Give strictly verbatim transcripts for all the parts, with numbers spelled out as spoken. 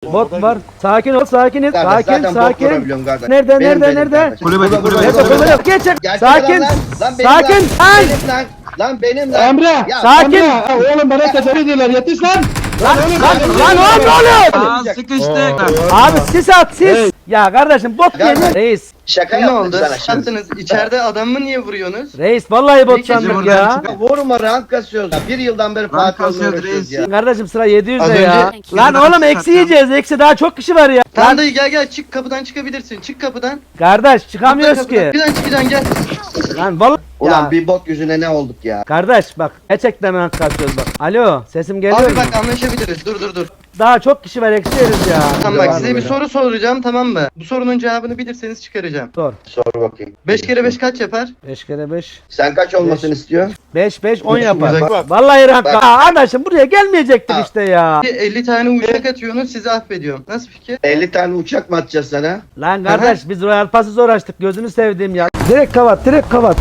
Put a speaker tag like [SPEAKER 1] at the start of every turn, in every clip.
[SPEAKER 1] Bot var. Sakin ol, sakin ol.
[SPEAKER 2] Kardeş,
[SPEAKER 1] Sakin,
[SPEAKER 2] zaten bot
[SPEAKER 1] sakin.
[SPEAKER 2] vurabiliyorum kardeş.
[SPEAKER 1] Nerede,
[SPEAKER 2] Benim,
[SPEAKER 1] nerede,
[SPEAKER 2] benim
[SPEAKER 1] nerede?
[SPEAKER 2] kardeş.
[SPEAKER 3] Kulübede,
[SPEAKER 2] Burada,
[SPEAKER 3] kulübede,
[SPEAKER 2] burada,
[SPEAKER 1] Nerede,
[SPEAKER 2] burada.
[SPEAKER 1] kulübede? Geç.
[SPEAKER 2] Gerçek
[SPEAKER 1] Sakin.
[SPEAKER 2] lan, lan benim
[SPEAKER 1] Sakin.
[SPEAKER 2] lan.
[SPEAKER 1] Lan.
[SPEAKER 2] Benim lan. Lan benim lan.
[SPEAKER 4] Emre.
[SPEAKER 2] Ya,
[SPEAKER 1] Sakin.
[SPEAKER 4] Emre. Ha, oğlum bana tedavi ediyorlar. Yetiş lan. Lan oğlum.
[SPEAKER 1] Lan oğlum ne oluyor?
[SPEAKER 3] Aa sıkıştık.
[SPEAKER 1] Abi sis at sis.
[SPEAKER 4] Hey.
[SPEAKER 1] Ya kardeşim bot
[SPEAKER 2] Gel
[SPEAKER 1] değil
[SPEAKER 2] lan.
[SPEAKER 1] reis.
[SPEAKER 2] Şaka
[SPEAKER 5] Ne
[SPEAKER 2] yaptım
[SPEAKER 5] oldu?
[SPEAKER 2] sana şimdi.
[SPEAKER 5] Yaptınız. İçeride adamı niye vuruyorsunuz?
[SPEAKER 1] Reis vallahi bot
[SPEAKER 5] İlk
[SPEAKER 1] sandım
[SPEAKER 3] kez
[SPEAKER 1] ya.
[SPEAKER 3] buradan
[SPEAKER 2] Vurma rank kasıyoruz. Ya, bir yıldan beri
[SPEAKER 3] Rank
[SPEAKER 2] Fatih'le
[SPEAKER 3] kasıyoruz
[SPEAKER 2] uğraşıyoruz
[SPEAKER 3] reis.
[SPEAKER 2] ya.
[SPEAKER 1] Kardeşim sıra yedi yüzde
[SPEAKER 5] Az
[SPEAKER 1] ya.
[SPEAKER 5] önce-
[SPEAKER 1] Lan oğlum eksi yiyeceğiz. Eksi daha çok kişi var ya.
[SPEAKER 5] Tamam
[SPEAKER 1] Lan
[SPEAKER 5] dayı gel gel çık kapıdan çıkabilirsin. Çık kapıdan.
[SPEAKER 1] kardeş çıkamıyoruz
[SPEAKER 5] Kapıdan,
[SPEAKER 1] ki.
[SPEAKER 5] kapıdan çıkacaksın gel.
[SPEAKER 1] Lan vallahi.
[SPEAKER 2] Ulan
[SPEAKER 1] Ya.
[SPEAKER 2] bir bok yüzüne ne olduk ya.
[SPEAKER 1] Kardeş bak gerçekten rank kasıyoruz bak. Alo sesim geliyor
[SPEAKER 5] Abi
[SPEAKER 1] mu?
[SPEAKER 5] bak anlaşabiliriz. Dur dur dur.
[SPEAKER 1] Daha çok kişi var eksi yeriz ya.
[SPEAKER 5] Tamam bak
[SPEAKER 2] Devam
[SPEAKER 5] size bir
[SPEAKER 2] edelim.
[SPEAKER 5] soru soracağım tamam mı? Bu sorunun cevabını bilirseniz çıkaracağım.
[SPEAKER 1] Sor.
[SPEAKER 2] Sor bakayım.
[SPEAKER 5] beş kere beş kaç yapar?
[SPEAKER 1] beş kere beş.
[SPEAKER 2] Sen kaç olmasını istiyorsun?
[SPEAKER 1] beş beş on
[SPEAKER 2] Bak,
[SPEAKER 1] yapar.
[SPEAKER 2] bak.
[SPEAKER 1] Vallahi rank.
[SPEAKER 2] Bak.
[SPEAKER 1] Aa arkadaşım buraya gelmeyecektik
[SPEAKER 2] Ha.
[SPEAKER 1] işte ya.
[SPEAKER 5] elli tane uçak atıyorsunuz sizi affediyorum. Nasıl fikir?
[SPEAKER 2] elli tane uçak mı atacağız sana?
[SPEAKER 1] Lan kardeş biz Royal Pass'ı zor açtık gözünü sevdiğim ya. Direkt kapat direkt kapat.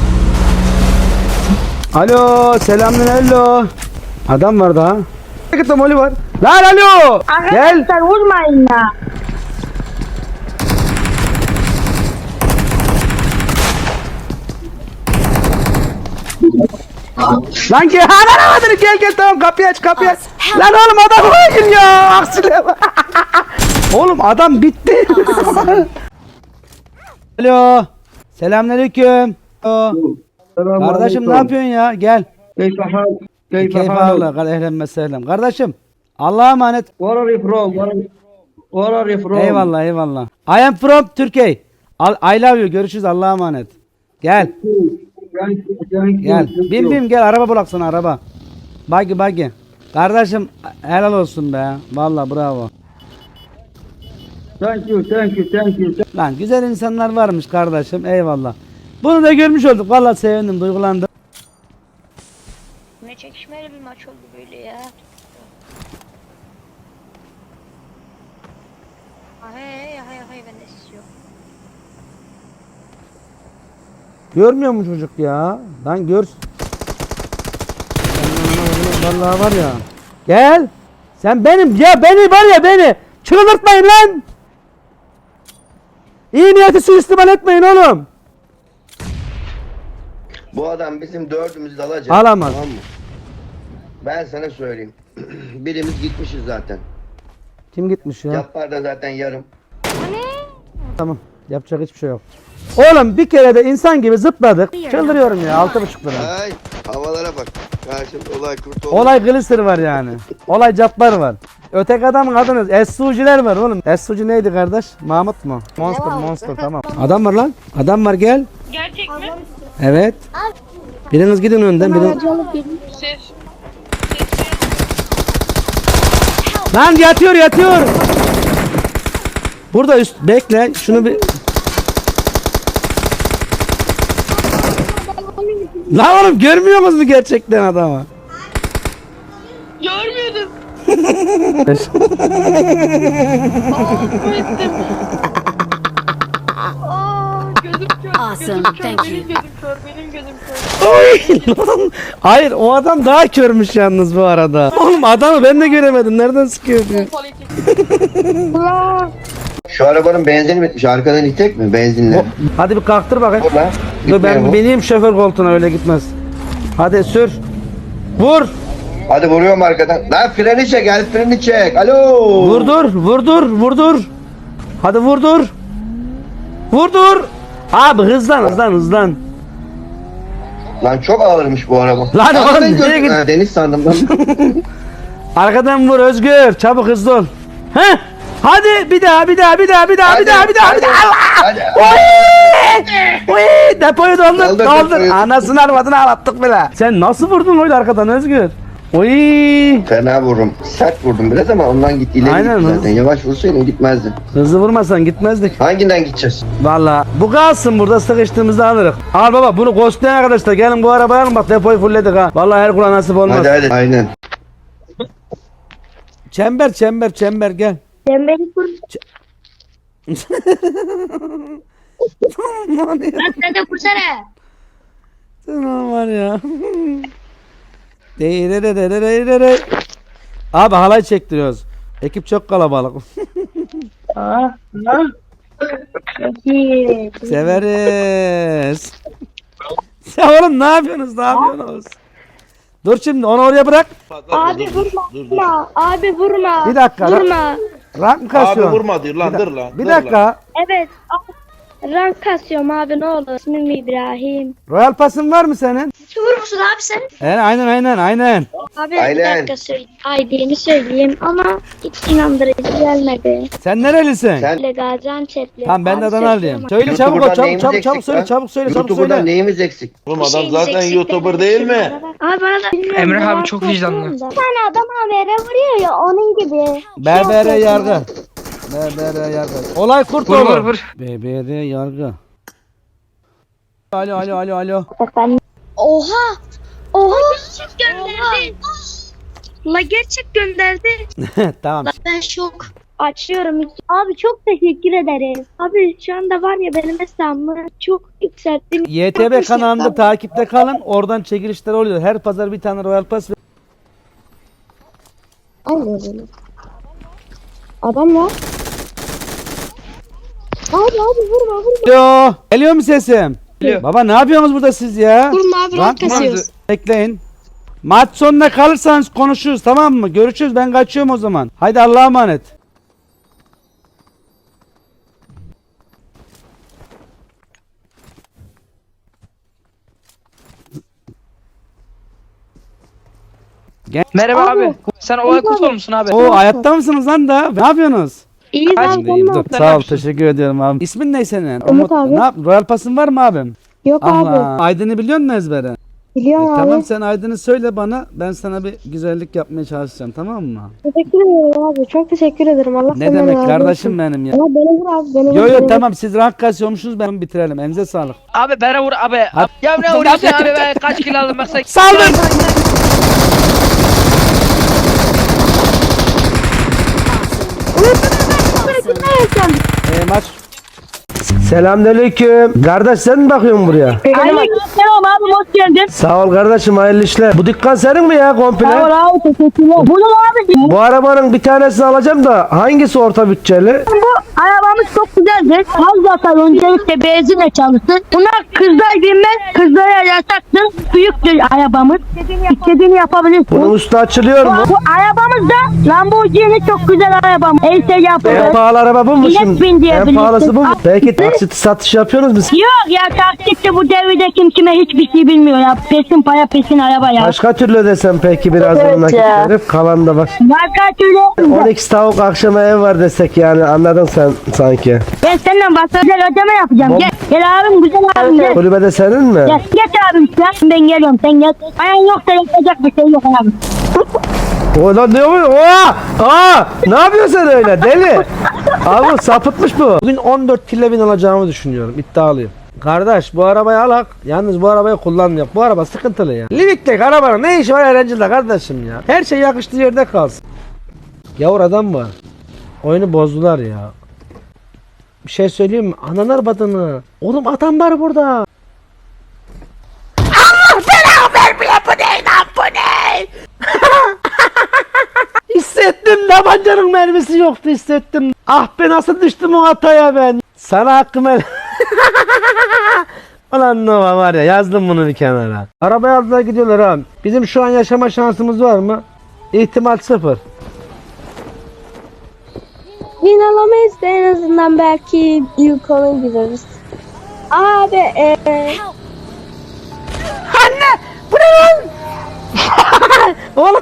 [SPEAKER 1] Alo selamün hello. Adam var daha. Git moli var. Lan alo. Gel.
[SPEAKER 6] Arkadaşlar vurmayın ya.
[SPEAKER 1] Lan gel. Ha lan hadi gel gel tamam kapıyı aç kapıyı aç. Lan oğlum adam hayır ya. Aksine bak. Oğlum adam bitti. Alo. Selamünaleyküm. Alo. Kardeşim ne yapıyorsun ya? Gel.
[SPEAKER 4] Keyif hal. Keyif
[SPEAKER 1] Keyif
[SPEAKER 4] hal.
[SPEAKER 1] Allah. Ehlen meselem. Kardeşim. Allah'a emanet.
[SPEAKER 4] Where are you from? Where are you- Where are you from?
[SPEAKER 1] Eyvallah eyvallah. I am from Turkey. Al- I love you. Görüşürüz. Allah'a emanet. Gel.
[SPEAKER 4] Thank you, thank you,
[SPEAKER 1] Gel.
[SPEAKER 4] thank
[SPEAKER 1] Bin
[SPEAKER 4] you.
[SPEAKER 1] bin gel. Araba bulak sana araba. Bagi bagi. Kardeşim helal olsun be. Vallahi bravo.
[SPEAKER 4] Thank you, thank you, thank you.
[SPEAKER 1] Lan güzel insanlar varmış kardeşim. Eyvallah. Bunu da görmüş olduk. Vallahi sevindim. Duygulandım.
[SPEAKER 6] Ne çekişmeli bir maç oldu böyle ya. Hay hay hay ben de siz yok.
[SPEAKER 1] Görmüyor mu çocuk ya? Lan gör. Vallahi var ya. Gel. Sen benim ya beni var ya beni. Çıldırtmayın lan. İyi niyeti suistimal etmeyin oğlum.
[SPEAKER 2] Bu adam bizim dördümüzü de alacak.
[SPEAKER 1] Alamaz.
[SPEAKER 2] Tamam mı? Ben sana söyleyeyim. Birimiz gitmişiz zaten.
[SPEAKER 1] Kim gitmiş ya?
[SPEAKER 2] Yapar da zaten yarım.
[SPEAKER 1] Tamam. Yapacak hiçbir şey yok. Oğlum bir kere de insan gibi zıpladık. Çıldırıyorum ya. Altı buçuk lira.
[SPEAKER 2] Ay havalara bak. Karşımda olay kurt oldu.
[SPEAKER 1] Olay glister var yani. Olay cabbar var. Öteki adamın adını S U C'ler var oğlum. S U C neydi kardeş? Mahmut mu? Monster Monster tamam. Adam var lan. Adam var gel.
[SPEAKER 6] Gerçek mi?
[SPEAKER 1] Evet. Biriniz gidin önden. Biriniz...
[SPEAKER 6] Ses.
[SPEAKER 1] Lan yatıyor yatıyor. Burada üst bekle şunu bir. Lan oğlum görmüyor musunuz gerçekten adamı?
[SPEAKER 6] Görmüyordum. Aa, gözüm kör.
[SPEAKER 7] Awesome,
[SPEAKER 6] Gözüm kör.
[SPEAKER 7] thank
[SPEAKER 6] Benim
[SPEAKER 7] you.
[SPEAKER 6] gözüm kör. Benim gözüm kör.
[SPEAKER 1] Oy, lan. Hayır o adam daha körmüş yalnız bu arada. Oğlum adamı ben de göremedim. Nereden sıkıyor diyor.
[SPEAKER 6] Pompalı çek.
[SPEAKER 2] Şu arabanın benzini bitmiş. Arkadan itek mi? Benzinle.
[SPEAKER 1] Hadi bir kalktır bakayım.
[SPEAKER 2] Dur lan.
[SPEAKER 1] Dur
[SPEAKER 2] Gitmiyor
[SPEAKER 1] ben
[SPEAKER 2] bu.
[SPEAKER 1] bineyim şoför koltuğuna öyle gitmez. Hadi sür. Vur.
[SPEAKER 2] Hadi vuruyorum arkadan. Lan freni çek. El freni çek. Alo.
[SPEAKER 1] Vurdur, vurdur, vurdur. Hadi vurdur. Vurdur. Abi hızlan, hızlan, hızlan.
[SPEAKER 2] Lan çok ağırmış bu araba.
[SPEAKER 1] Lan
[SPEAKER 2] Arkadan
[SPEAKER 1] oğlum,
[SPEAKER 2] gördüm.
[SPEAKER 1] nereye git-
[SPEAKER 2] Ha, deniz sandım lan.
[SPEAKER 1] Arkadan vur Özgür. Çabuk hızlı ol. Heh. Hadi bir daha, bir daha, bir daha, bir daha, bir daha, bir daha, bir daha. Allah!
[SPEAKER 2] Hadi.
[SPEAKER 1] Oy! Oy! Depoyu doldur,
[SPEAKER 2] Doldur,
[SPEAKER 1] doldur.
[SPEAKER 2] depoyu.
[SPEAKER 1] Anasını arvadını ağlattık bile. Sen nasıl vurdun öyle arkadan Özgür? Oy!
[SPEAKER 2] Fena vururum. Sert vurdum biraz ama ondan gitti. İleri
[SPEAKER 1] Aynen
[SPEAKER 2] gitti
[SPEAKER 1] lan.
[SPEAKER 2] zaten. Yavaş vursaydın gitmezdi.
[SPEAKER 1] Hızlı vurmasan gitmezdik.
[SPEAKER 2] Hanginden gideceğiz?
[SPEAKER 1] Valla bu kalsın burada sıkıştığımızda alırız. Al baba bunu ghostlayan arkadaşlar gelin bu arabayı alın bak depoyu fullledik ha. Valla her kula nasip olmaz.
[SPEAKER 2] Hadi hadi. Aynen.
[SPEAKER 1] Çember çember çember gel.
[SPEAKER 6] Sen beni kur.
[SPEAKER 1] Aman ya.
[SPEAKER 6] Lan sen de kursana.
[SPEAKER 1] Tamam var ya. Deyirererererere. Abi halay çektiriyoruz. Ekip çok kalabalık.
[SPEAKER 4] Ah, ah.
[SPEAKER 1] Severiz. Ya oğlum ne yapıyorsunuz? Ne yapıyorsunuz? Dur şimdi onu oraya bırak.
[SPEAKER 6] Abi vurma. Vurma. Abi vurma.
[SPEAKER 1] Bir dakika, lan.
[SPEAKER 6] Vurma.
[SPEAKER 1] Rank mı
[SPEAKER 3] Abi
[SPEAKER 1] kasıyorsun?
[SPEAKER 3] vurma diyor lan
[SPEAKER 1] Bir
[SPEAKER 3] dur
[SPEAKER 1] da-
[SPEAKER 3] lan.
[SPEAKER 1] Bir
[SPEAKER 3] dur
[SPEAKER 1] dakika.
[SPEAKER 3] Lan.
[SPEAKER 6] Evet. Rank kasıyorum abi ne olur. İsmim İbrahim.
[SPEAKER 1] Royal pasın var mı senin?
[SPEAKER 6] Vurur musun abi sen?
[SPEAKER 1] Evet, aynen aynen aynen.
[SPEAKER 6] Abi bir
[SPEAKER 2] Aynen.
[SPEAKER 6] dakika söyle. I D'ni söyleyeyim ama hiç inandırıcı gelmedi.
[SPEAKER 1] Sen nerelisin?
[SPEAKER 2] Sen
[SPEAKER 6] Öyle Gaziantep'li.
[SPEAKER 1] Tamam ben de
[SPEAKER 6] Abi
[SPEAKER 1] Adanalıyım.
[SPEAKER 6] söyleyeyim
[SPEAKER 1] Söyle çabuk ol
[SPEAKER 2] YouTuber'dan
[SPEAKER 1] çabuk
[SPEAKER 2] neyimiz
[SPEAKER 1] çabuk çabuk
[SPEAKER 2] eksik
[SPEAKER 1] söyle
[SPEAKER 2] lan?
[SPEAKER 1] çabuk söyle çabuk
[SPEAKER 2] YouTuber'dan
[SPEAKER 1] söyle.
[SPEAKER 2] neyimiz eksik?
[SPEAKER 3] Oğlum
[SPEAKER 6] Bir
[SPEAKER 3] adam
[SPEAKER 6] şeyimiz
[SPEAKER 3] zaten
[SPEAKER 6] eksik
[SPEAKER 3] YouTuber
[SPEAKER 6] demedim
[SPEAKER 3] değil mi?
[SPEAKER 6] bana. Abi bana da bilmiyorum,
[SPEAKER 7] Emre abi
[SPEAKER 6] ben
[SPEAKER 7] çok
[SPEAKER 6] korkuyorum
[SPEAKER 7] vicdanlı.
[SPEAKER 6] da. Bir tane adam habere vuruyor ya onun gibi.
[SPEAKER 1] B B R
[SPEAKER 6] Şey
[SPEAKER 1] yargı.
[SPEAKER 6] yapıyorsun.
[SPEAKER 1] B B R yargı. Olay kurt
[SPEAKER 7] Vur vur
[SPEAKER 1] olur.
[SPEAKER 7] vur.
[SPEAKER 1] B B R yargı. Alo alo alo alo.
[SPEAKER 6] Efendim. Oha! Oha! Gerçek gönderdi. La gerçek gönderdi.
[SPEAKER 1] Tamam.
[SPEAKER 6] Ben şok. Açıyorum. Abi çok teşekkür ederim. Abi şu anda var ya benim hesabımı çok yükselttim.
[SPEAKER 1] Y T B kanalında takipte kalın. Oradan çekilişler oluyor. Her pazar bir tane Royal Pass.
[SPEAKER 6] Anladım. Adam var. Abi abi vurma vurma.
[SPEAKER 1] Alo. Geliyor mu sesim?
[SPEAKER 7] Geliyor.
[SPEAKER 1] Baba ne yapıyorsunuz burada siz ya?
[SPEAKER 6] Vurma abi
[SPEAKER 1] Rank
[SPEAKER 6] rank
[SPEAKER 1] mı?
[SPEAKER 6] kasıyoruz.
[SPEAKER 1] Bekleyin. Maç sonuna kalırsanız konuşuruz tamam mı? Görüşürüz ben kaçıyorum o zaman. Haydi Allah'a emanet.
[SPEAKER 7] Merhaba abi. Sen olay kurt olmuşsun abi.
[SPEAKER 1] Oo hayatta mısınız lan da? Ne yapıyorsunuz?
[SPEAKER 6] İyi
[SPEAKER 7] Kaç-
[SPEAKER 6] abi
[SPEAKER 1] İyiyim,
[SPEAKER 6] valla.
[SPEAKER 1] dur. Sağ ol teşekkür ediyorum abi. İsmin ne senin?
[SPEAKER 6] Umut abi.
[SPEAKER 1] Ne yap? Royal Pass'ın var mı abim?
[SPEAKER 6] Yok abi.
[SPEAKER 1] Allah. Aydın'ı biliyor musun ezbere? E,
[SPEAKER 6] Biliyorum abi.
[SPEAKER 1] tamam sen Aydın'ı söyle bana. Ben sana bir güzellik yapmaya çalışacağım tamam mı?
[SPEAKER 6] Teşekkür ederim abi. Çok teşekkür ederim. Allah
[SPEAKER 1] Ne
[SPEAKER 6] senden
[SPEAKER 1] demek
[SPEAKER 6] razı
[SPEAKER 1] kardeşim
[SPEAKER 6] olsun.
[SPEAKER 1] benim ya.
[SPEAKER 6] Ama beni vur abi. Beni vur.
[SPEAKER 1] Yo
[SPEAKER 6] beni
[SPEAKER 1] yo
[SPEAKER 6] vur.
[SPEAKER 1] tamam siz rank kasıyormuşsunuz ben bitirelim. Elinize sağlık.
[SPEAKER 7] Abi bana vur abi.
[SPEAKER 1] Hadi.
[SPEAKER 7] Ya ne vuruyorsun abi ben kaç kilo aldım bak sen.
[SPEAKER 1] Saldır! Ee, maç. Selamünaleyküm. Kardeş sen mi bakıyorsun buraya?
[SPEAKER 8] Aleykümselam abi hoş geldin.
[SPEAKER 1] Sağ ol kardeşim hayırlı işler. Bu dükkan senin mi ya komple?
[SPEAKER 8] Sağ ol abi teşekkürler. Bunu abi
[SPEAKER 1] Bu arabanın bir tanesini alacağım da hangisi orta bütçeli?
[SPEAKER 8] bu arabamız çok güzeldir. Az zaten öncelikle benzinle çalışsın. Buna kızlar binmez. Kızlara yasaktır. Büyüktür arabamız. İstediğini yapabilirsin.
[SPEAKER 1] Bunun üstü açılıyor
[SPEAKER 8] Bu,
[SPEAKER 1] mu?
[SPEAKER 8] bu arabamız da Lamborghini çok güzel arabamız. El şey
[SPEAKER 1] En
[SPEAKER 8] yapılır.
[SPEAKER 1] pahalı araba bu mu
[SPEAKER 8] İlet
[SPEAKER 1] şimdi?
[SPEAKER 8] bin
[SPEAKER 1] En
[SPEAKER 8] diyebilirsin.
[SPEAKER 1] pahalısı bu mu?
[SPEAKER 8] Al-
[SPEAKER 1] Peki taksit satış yapıyorsunuz mu?
[SPEAKER 8] Yok ya taksitle bu devirde kim kime hiçbir şey bilmiyor ya. Pesin para pesin araba ya.
[SPEAKER 1] Başka türlü desem peki biraz
[SPEAKER 8] Evet
[SPEAKER 1] nakit
[SPEAKER 8] ya.
[SPEAKER 1] verip kalan da var.
[SPEAKER 8] Marka türlü.
[SPEAKER 1] on iki tavuk akşama ev var desek yani anladın sen sanki.
[SPEAKER 8] Ben seninle başka güzel ödeme yapacağım. Gel. Gel abim güzel abim gel.
[SPEAKER 1] Kulübede senin mi?
[SPEAKER 8] Gel. Geç abim sen. Ben geliyorum sen gel. Ayağın yoksa yapacak bir şey yok abi.
[SPEAKER 1] O lan ne oluyor? Oha! Aa! Ne yapıyorsun sen öyle deli? Abi sapıtmış bu. Bugün on dört kille bin alacağımı düşünüyorum. İddialıyım. Kardeş bu arabayı alak. Yalnız bu arabayı kullanmıyor. Bu araba sıkıntılı ya. Livik'teki arabanın ne işi var Erencil'de kardeşim ya. Her şey yakıştığı yerde kalsın. Yavur adam var. Oyunu bozdular ya. Bir şey söyleyeyim mi? Ananar badını. Oğlum adam var burada. Allah belanı vermiyor bu ne lan bu ne? Hissettim tabancanın mermisi yoktu hissettim. Ah be nasıl düştüm o hataya ben. Sana hakkım el. Ulan Nova var ya yazdım bunu bir kenara. Arabaya aldılar gidiyorlar abi. Bizim şu an yaşama şansımız var mı? İhtimal sıfır.
[SPEAKER 6] Win alamayız da en azından belki ilk ona gireriz. Abi eee
[SPEAKER 1] Anne! Bu ne lan? Oğlum.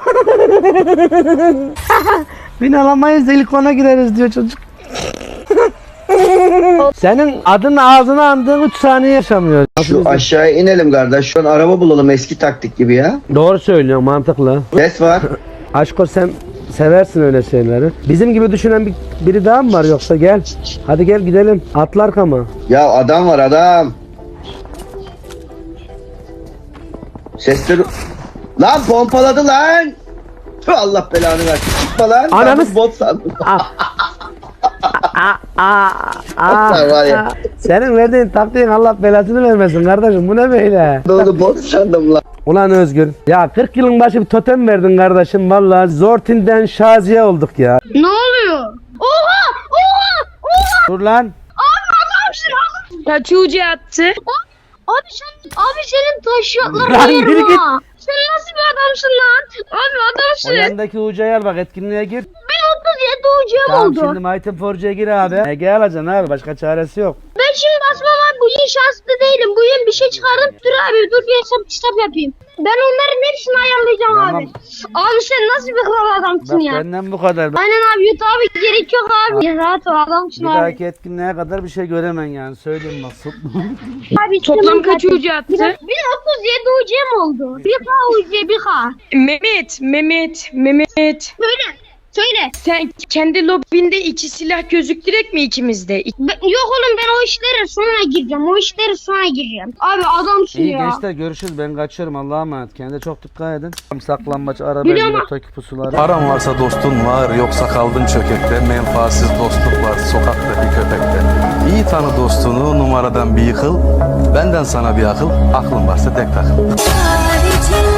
[SPEAKER 1] Bin alamayız da ilk ona gireriz diyor çocuk. Senin adın ağzına andığın üç saniye yaşamıyor.
[SPEAKER 2] Şu aşağıya inelim kardeş. Şu an araba bulalım eski taktik gibi ya.
[SPEAKER 1] Doğru söylüyorsun mantıklı.
[SPEAKER 2] Ses var.
[SPEAKER 1] Aşko sen seversin öyle şeyleri. Bizim gibi düşünen bir, biri daha mı var yoksa gel. Hadi gel gidelim. Atla arkama.
[SPEAKER 2] Ya adam var adam. Sesleri... Lan pompaladı lan. Tüh, Allah belanı versin. Çıkma lan.
[SPEAKER 1] Ananı
[SPEAKER 2] Ben
[SPEAKER 1] s-
[SPEAKER 2] bu bot sandım.
[SPEAKER 1] Aa,
[SPEAKER 2] Hatta var ya.
[SPEAKER 1] Senin verdiğin taktiğin Allah belasını vermesin kardeşim. Bu ne böyle?
[SPEAKER 2] Doğru bot sandım lan.
[SPEAKER 1] Ulan Özgür. Ya kırk yılın başı bir totem verdin kardeşim. Vallahi Zortin'den Şaziye olduk ya.
[SPEAKER 6] Ne oluyor? Oha! Oha! Oha!
[SPEAKER 1] Dur lan.
[SPEAKER 6] Adamsın abi.
[SPEAKER 7] Kaç ucu attı?
[SPEAKER 6] Abi sen, abi senin taşıyatların
[SPEAKER 1] Lan
[SPEAKER 6] yerim
[SPEAKER 1] yürü git.
[SPEAKER 6] ha. Sen nasıl bir adamsın lan? Abi
[SPEAKER 1] O
[SPEAKER 6] adamsın.
[SPEAKER 1] yandaki ucayı al bak, etkinliğe gir.
[SPEAKER 6] Ben otuz yedi ucum
[SPEAKER 1] Tamam
[SPEAKER 6] oldu.
[SPEAKER 1] şimdi Mighty Forge'ya gir abi. Ege alacaksın abi, başka çaresi yok.
[SPEAKER 6] Ben şimdi basmam abi. Bu yıl şanslı değilim. Bu yıl bir şey çıkarım. Dur abi dur bir hesap kitap yapayım. Ben onların hepsini ayarlayacağım
[SPEAKER 1] Tamam.
[SPEAKER 6] abi. Abi sen nasıl bir kral adamsın
[SPEAKER 1] Bak
[SPEAKER 6] ya?
[SPEAKER 1] benden bu kadar. Bak,
[SPEAKER 6] Aynen abi yut abi gerek yok abi. Ya rahat ol adamsın
[SPEAKER 1] bir
[SPEAKER 6] abi.
[SPEAKER 1] dahaki etkinliğe kadar bir şey göremen yani, söyleyeyim nasıl.
[SPEAKER 6] Abi
[SPEAKER 7] Toplam
[SPEAKER 6] canım
[SPEAKER 7] kaç
[SPEAKER 6] zaten.
[SPEAKER 7] ucu attı?
[SPEAKER 6] Bir, bir otuz yedi ucum oldu. Bir K ucu bir K.
[SPEAKER 7] Mehmet, Mehmet, Mehmet.
[SPEAKER 6] Söyle. Söyle.
[SPEAKER 7] Sen kendi lobinde iki silah gözüktürek mi ikimizde? İ-
[SPEAKER 6] Ben- yok oğlum ben o işlere sonra gireceğim. O işlere sonra gireceğim. Abi adamsın
[SPEAKER 1] İyi
[SPEAKER 6] ya.
[SPEAKER 1] gençler, görüşürüz, ben kaçıyorum, Allah'a emanet. Kendine çok dikkat edin. Saklambaç, araba,
[SPEAKER 6] Biliyorum.
[SPEAKER 1] motoki pusuları.
[SPEAKER 3] Paran varsa dostun var, yoksa kaldın çökekte. Menfaatsiz dostluk var sokaktaki köpekte. İyi tanı dostunu, numaradan bir yıkıl. Benden sana bir akıl, aklın varsa tek takıl.
[SPEAKER 9] Tarihçiler